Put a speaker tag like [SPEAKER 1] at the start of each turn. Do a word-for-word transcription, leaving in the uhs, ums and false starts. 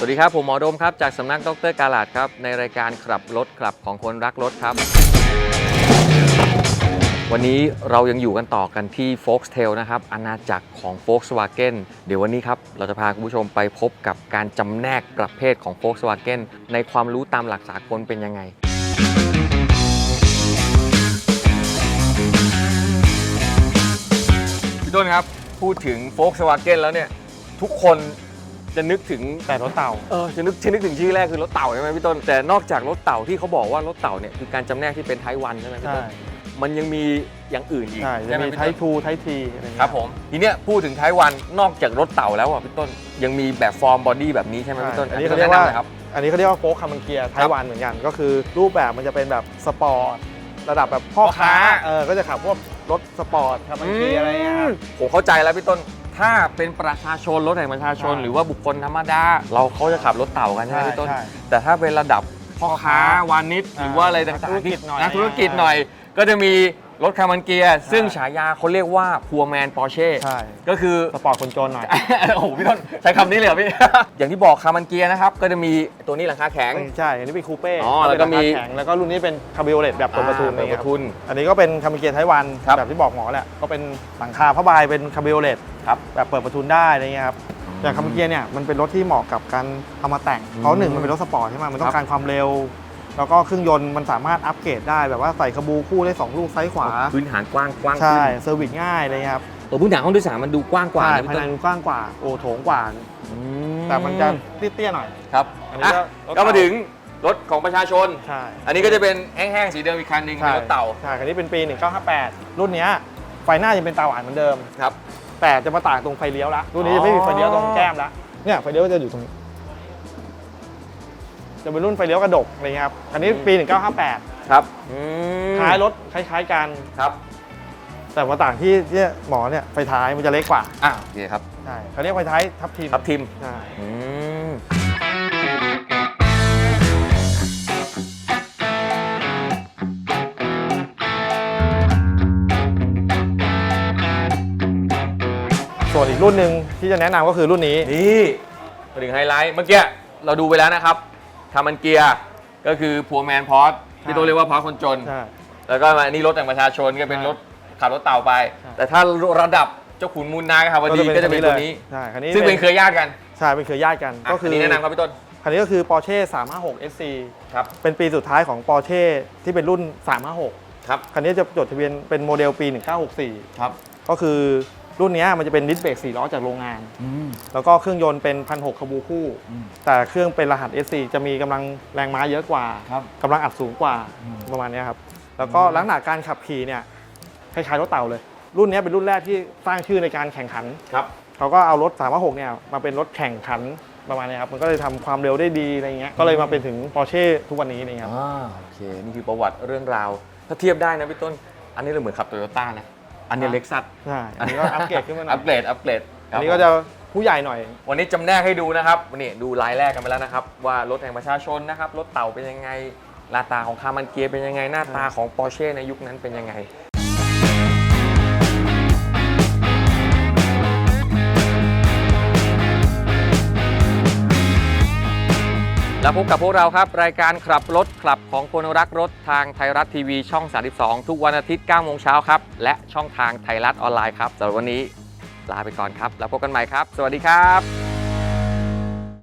[SPEAKER 1] วัสดีครับผมหมอโดมครับจากสำนักดร.กาลาดครับในรายการขับรถขับของคนรักรถครับวันนี้เรายังอยู่กันต่อกันที่ Foxtail นะครับอาณาจักรของ Volkswagen เดี๋ยววันนี้ครับเราจะพาคุณผู้ชมไปพบกับการจำแนกประเภทของ Volkswagen ในความรู้ตามหลักสากลเป็นยังไงพี่ต้นครับพูดถึง Volkswagen แล้วเนี่ยทุกคนจะนึกถึง
[SPEAKER 2] แต่รถเต่า
[SPEAKER 1] เออจะนึกจะนึกถึงชื่อแรกคือรถเต่าใช่ไหมพี่ต้นแต่นอกจากรถเต่าที่เขาบอกว่ารถเต่าเนี่ยคือการจำแนกที่เป็นไทป์วันใช่ไหมพี่ต้นมันยังมีอย่างอื่นอีก
[SPEAKER 2] ใช่จะมีไทป์ทูไทป์ทีอะไรเงี้ย
[SPEAKER 1] ครับผมทีเนี้ยพูดถึงไทป์วันนอกจากรถเต่าแล้วอ่ะพี่ต้นยังมีแบบฟอร์มบอดี้แบบนี้ใช่ไหมพี่ต้น
[SPEAKER 2] อันนี้เขาเรียกว่าอันนี้เขาเรียกว่าโฟล์คคาร์มันเกียร์ไทป์วันเหมือนกันก็คือรูปแบบมันจะเป็นแบบสปอร์ตระดับแบบพ่อค้าเออก็จะขับพวกรถสปอร์ตคาร์มันเกียร์อะไรเงี้ย
[SPEAKER 1] ผมเข้าใจแล้วพี่ต้นถ้าเป็นประชาชนรถแห่งประชาชนหรือว่าบุคคลธรรมดาเราเขาจะขับรถเต่ากันใช่ไหมพี่ต้นแต่ถ้าเป็นระดับพ่อค้าวานิชหรือว่าอะไรต่างๆที่นักธุรกิจหน่อยก็จะมีรถคาร์มันเกียร์ซึ่งฉายาเขาเรียกว่าพัวแมนปอร์เช่ก็คือ
[SPEAKER 2] สปอร์ตคนจนหน่อย
[SPEAKER 1] โอ้โหพี่ต้นใช้คำนี้เลยเหรอพี่ อย่างที่บอกคาร์มันเกียร์นะครับก็จะมีตัวนี้หลังคาแข็ง
[SPEAKER 2] ใช่อันนี้เป็นคูเป้
[SPEAKER 1] อ๋อแล้วก็มี
[SPEAKER 2] แข็งแล้วก็รุ่นนี้เป็นคาร์บิโอเลตแบบเปิดประทุน
[SPEAKER 1] เปิดประทุน
[SPEAKER 2] อันนี้ก็เป็นคาร์มันเกียร์ไทป์วันแบบที่บอกหมอแหละก็เป็นหลังคาผ้าใบเป็นคาร์บิโอเลตแบบเปิดประทุนได้อะไรเงี้ยครับแต่คาร์มันเกียร์เนี่ยมันเป็นรถที่เหมาะกับการเอามาแต่งเพราะหนึ่งมันเป็นรถสปอร์ตใช่ไหมมันต้องการความเร็วแล้วก็เครื่องยนต์มันสามารถอัปเกรดได้แบบว่าใส่คาบูคู่ได้สองลูกซ้ายขวา
[SPEAKER 1] พื้นฐานกว้างกว้าง
[SPEAKER 2] ใช่เซอร์วิสง่ายเลยครับ
[SPEAKER 1] ตัวพื้นฐานห้องโดยสารมันดูกว้างกว่า
[SPEAKER 2] ภายในกว้างกว่าโอ้โถงกว่าแต่มันจะเตี้ยๆหน่อย
[SPEAKER 1] ครับอันนี้ก็มาถึงรถของประชาชน
[SPEAKER 2] ใช่
[SPEAKER 1] อันนี้ก็จะเป็นแห้งๆสีเดิมอีกคันหนึ่งเป็นรถเต่า
[SPEAKER 2] ใช่คันนี้เป็นปีหนึ่งเก้าห้าแปดรุ่นนี้ไฟหน้ายังเป็นตาหวานเหมือนเดิม
[SPEAKER 1] ครับ
[SPEAKER 2] แต่จะมาต่างตรงไฟเลี้ยวละรุ่นนี้จะไม่มีไฟเลี้ยวตรงแก้มละเนี่ยไฟเลี้ยวจะอยู่ตรงนี้จะเป็นรุ่นไฟเลี้ยวกระดกอะไรเงี้ยครับอันนี้ปีหนึ่งเก้าห้าแปด
[SPEAKER 1] ครับ
[SPEAKER 2] ท้ายรถคล้ายๆกัน
[SPEAKER 1] ครับ
[SPEAKER 2] แต่มาต่างที่ที่หมอเนี่ยไฟท้ายมันจะเล็กกว่า
[SPEAKER 1] อ่าโอเคครับ
[SPEAKER 2] ใช่เขาเรียกไฟท้ายทับทิม
[SPEAKER 1] ทับทิม
[SPEAKER 2] ใช่ส่วนอีกรุ่นหนึ่งที่จะแนะนำก็คือรุ่นนี้
[SPEAKER 1] นี่มาถึงไฮไลท์เมื่อกี้เราดูไปแล้วนะครับคาร์มันเกียร์ก็คือพัวแมนพอร์ตที่ตัวเรียกว่าพอร์ตคนจนแล้วก็มานี่รถแต่งประชาชนก็เป็นรถขับรถเต่าไปแต่ถ้าระดับเจ้าขุนมูลนายครับวันนี้ก็จะเป็นตัวนี้ซึ่งเป็นเครือญาติกัน
[SPEAKER 2] ใช่เป็นเครือญาติกันก็คือ
[SPEAKER 1] แนะนำครับพี่ต้น
[SPEAKER 2] คันนี้ก็คือ Porsche สามห้าหก เอส ซี ครับเป็นปีสุดท้ายของ Porsche ที่เป็นรุ่นสามห้าหก
[SPEAKER 1] ครับ
[SPEAKER 2] คันนี้จะจดทะเบียนเป็นโมเดลปีหนึ่งเก้าหกสี่
[SPEAKER 1] ครับ
[SPEAKER 2] ก็คือรุ่นนี้มันจะเป็นดิสเบรกสี่ล้อจากโรงงานแล้วก็เครื่องยนต์เป็น หนึ่งพันหกร้อย คาบูคู่แต่เครื่องเป็นรหัส เอส ซี จะมีกำลังแรงม้าเยอะกว่ากำลังอัดสูงกว่าประมาณนี้ครับแล้วก็ลักษณะการขับขี่เนี่ยคล้ายๆรถเต่าเลยรุ่นนี้เป็นรุ่นแรกที่สร้างชื่อในการแข่งขัน
[SPEAKER 1] ครับ
[SPEAKER 2] เขาก็เอารถสามห้าหกเนี่ยมาเป็นรถแข่งขันประมาณนี้ครับมันก็เลยทำความเร็วได้ดีอะไรเงี้ยก็เลยมาเป็นถึง Porsche ทุกวันนี้นะครับ
[SPEAKER 1] อ่าโอเคนี่คือประวัติเรื่องราวถ้าเทียบได้นะพี่ต้นอันนี้เราเหมือนขับโตโยต้านะอันนี้เล็กซัส
[SPEAKER 2] ใช่อันนี้ก็อัปเกรดขึ้นมาหน่อย
[SPEAKER 1] อัปเกรดอัปเกรด
[SPEAKER 2] อันนี้ก็จะผู้ใหญ่หน่อย
[SPEAKER 1] วันนี้จำแนกให้ดูนะครับวันนี้ดูลายแรกกันไปแล้วนะครับว่ารถแห่งประชาชนนะครับรถเต่าเป็นยังไงหน้าตาของคาร์มันเกียร์เป็นยังไงหน้าตาของ Porsche ในยุคนั้นเป็นยังไงแล้วพบกับพวกเราครับรายการขับรถขับของคนรักรถทางไทยรัฐทีวีช่องสามสิบสองทุกวันอาทิตย์เก้าโมงเช้าครับและช่องทางไทยรัฐออนไลน์ครับสำหรับวันนี้ลาไปก่อนครับแล้วพบกันใหม่ครับสวัสดีครับ